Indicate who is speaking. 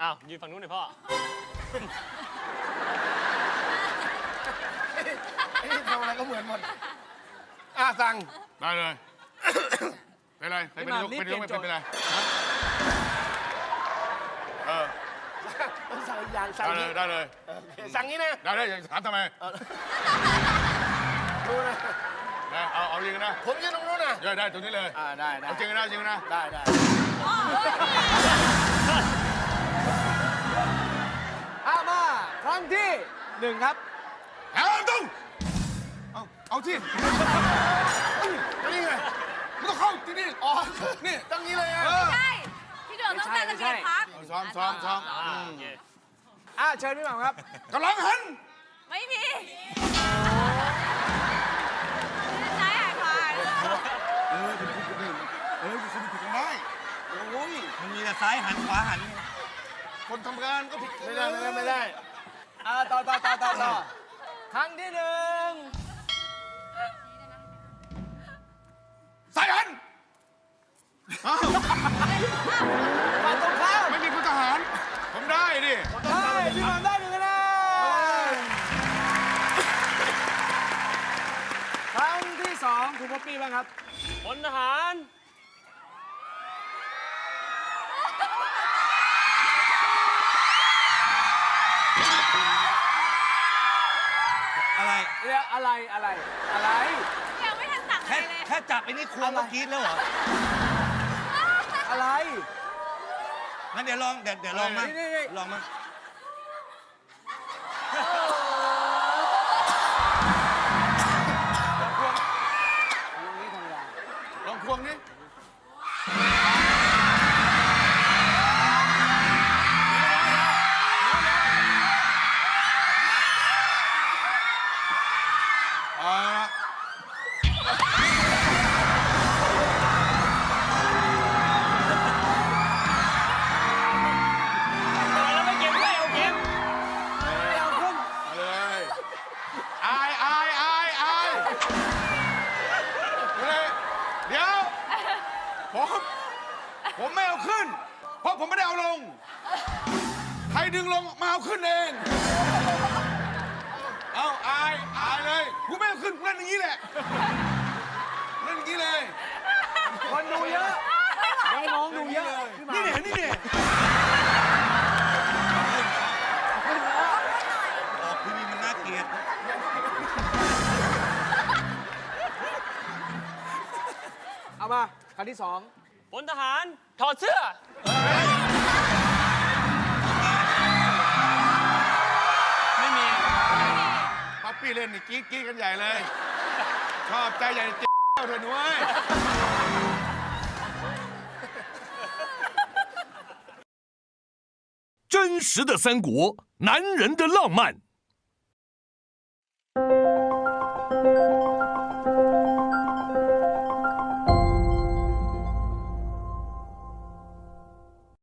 Speaker 1: อ้าวยืนฝั่งนู้นหน่อยพ่อ
Speaker 2: ทำอะไรก็เหมือนหมดสั่ง
Speaker 3: ได้เลยเป็นไรเป็นไรเป็นไร
Speaker 2: สั่งอย่างสั่งนี้
Speaker 3: ได้เลย
Speaker 2: สั่งนี้นะ
Speaker 3: ได้เลยถามทำไม
Speaker 2: รู้นะ
Speaker 3: เอาจริงนะ
Speaker 2: ผมยืนตรงนู้นนะ
Speaker 3: ได้ตรงนี้เลย
Speaker 2: ได้
Speaker 3: เอาจริงนะจริงนะ
Speaker 2: ได้มาครั้งที่1ครับ
Speaker 3: เอาตุ้งเอาที่นี่ไงมันต้องเข้าที่นี่นี่
Speaker 2: ตั้งนี้เลย
Speaker 4: ใช่พี่โดดต้องตั้งระเบียบพัก
Speaker 3: ซ้อม
Speaker 2: เชิญพี่หม่ำครับ
Speaker 3: กำลังหัน
Speaker 4: ไม่มีซ้ายหายขวา
Speaker 3: คุณผิดกันได้
Speaker 2: โอ้ย
Speaker 5: มันมีแต่ซ้ายหันขวาหัน
Speaker 3: คนทำงานก็ผิด
Speaker 2: ไม่ได้ต่อครั้งที่1
Speaker 3: สายหัน
Speaker 2: ฝั่งตรงข้าม
Speaker 3: ไม่มีพลทหารผมได้ดิ
Speaker 2: พี่หม่ำได้1คะแนนครั้งที่2คุณป๊อปปี้บ้างครับ
Speaker 1: พลทหาร
Speaker 5: อะไร
Speaker 4: ยังไม่ทันสั่งอะไรเลย
Speaker 5: แค่จับไอ้นี่ควงก็กรี๊ดแล้วเหรอ
Speaker 2: อะไร
Speaker 5: งั้นเดี๋ยวลองมาลองมา
Speaker 3: ลองควงนี่ผมไม่เอาขึ้นเพราะผมไม่ได้เอาลงใครดึงลงมาเอาขึ้นเองเอาอายเลยกูไม่เอาขึ้นเล่นอย่างนี้แหละเล่นอย่างนี้เลย
Speaker 2: คนดูเยอะน้องดูเยอะ
Speaker 3: นี่เนี่ย
Speaker 5: ออกทีวีมันน่าเกลียด
Speaker 2: เอามาครั้งที่2
Speaker 1: พลทหารถอดเสื้อไม่มี
Speaker 3: ป๊อปปี้เล่นนี่กรี๊ดกันใหญ่เลยชอบใจใหญ่เจ้าเถอะหนุ่ย
Speaker 6: 真实的三国，男人的浪漫。